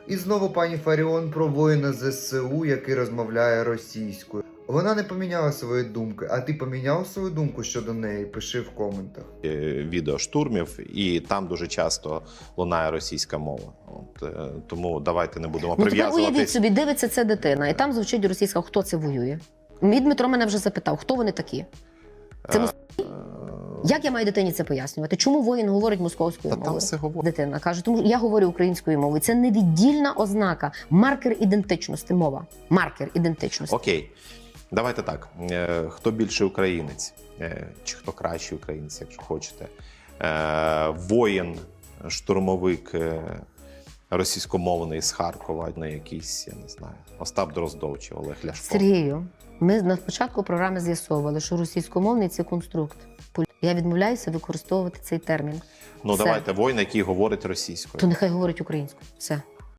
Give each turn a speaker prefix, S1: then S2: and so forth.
S1: І знову пані Фаріон про воїна ЗСУ, який розмовляє російською. Вона не поміняла свої думки, а ти поміняв свою думку щодо неї? Пиши в коментах.
S2: Відео штурмів, і там дуже часто лунає російська мова. Тому давайте не будемо прив'язувати.
S3: Уявіть собі, дивиться це дитина, і там звучить російська, хто це воює? Мій Дмитро мене вже запитав, хто вони такі? Це Як я маю дитині це пояснювати? Чому воїн говорить московською мовою?
S2: Там все говорить.
S3: Дитина каже, тому я говорю українською мовою. Це невіддільна ознака, маркер ідентичності, мова. Маркер ідентичності.
S2: Окей, давайте так. Хто більший українець? Чи хто кращий українець, якщо хочете? Воїн, штурмовик російськомовний з Харкова, на якийсь, я не знаю, Остап Дроздов чи Олег Ляшко.
S3: Сергію, ми на початку програми з'ясовували, що російськомовний – це конструкт. Я відмовляюся використовувати цей термін.
S2: Ну
S3: Все.
S2: давайте, воїн, який говорить російською.
S3: То нехай говорить українською. Все.